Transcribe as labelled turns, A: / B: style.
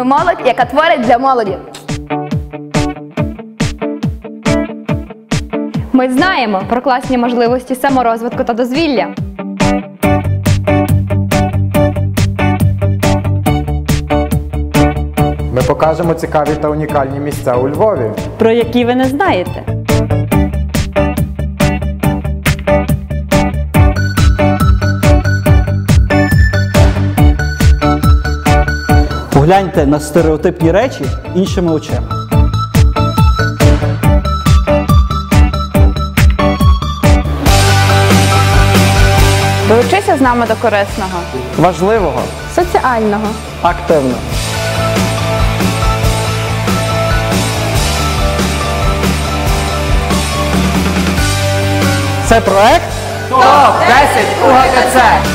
A: Ми молодь, яка творить для молоді.
B: Ми знаємо про класні можливості саморозвитку та дозвілля.
C: Ми покажемо цікаві та унікальні місця у Львові,
D: про які ви не знаєте.
E: Погляньте на стереотипні речі іншими очима.
A: Долучися з нами до корисного,
E: Важливого,
A: соціального.
E: активного. Це проект
C: ТОП-10 УГКЦ.